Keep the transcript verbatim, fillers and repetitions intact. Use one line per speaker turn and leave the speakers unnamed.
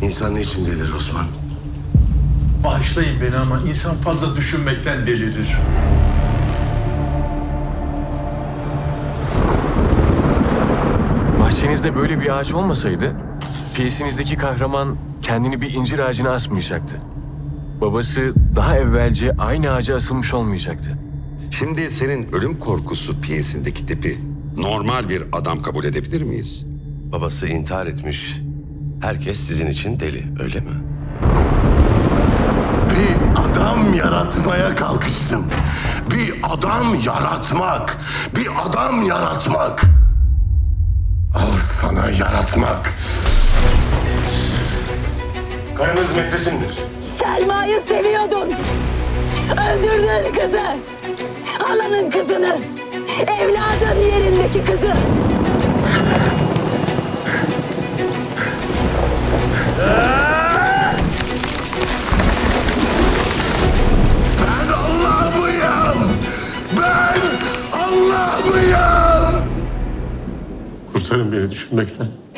İnsan ne için delir Osman?
Bağışlayın beni ama insan fazla düşünmekten delirir.
Bahçenizde böyle bir ağaç olmasaydı, piyesinizdeki kahraman kendini bir incir ağacına asmayacaktı. Babası daha evvelce aynı ağaca asılmış olmayacaktı.
Şimdi senin ölüm korkusu piyesindeki tipi normal bir adam kabul edebilir miyiz?
Babası intihar etmiş. Herkes sizin için deli, öyle mi? Bir adam yaratmaya kalkıştım. Bir adam yaratmak. Bir adam yaratmak. Al sana yaratmak. Karınız metresindir.
Selma'yı seviyordun. Öldürdün kızı. Halanın kızını. Evladın yerindeki kızı.
Ben Allah'ıyım. Ben Allah'ıyım. Kurtarın beni düşünmekten.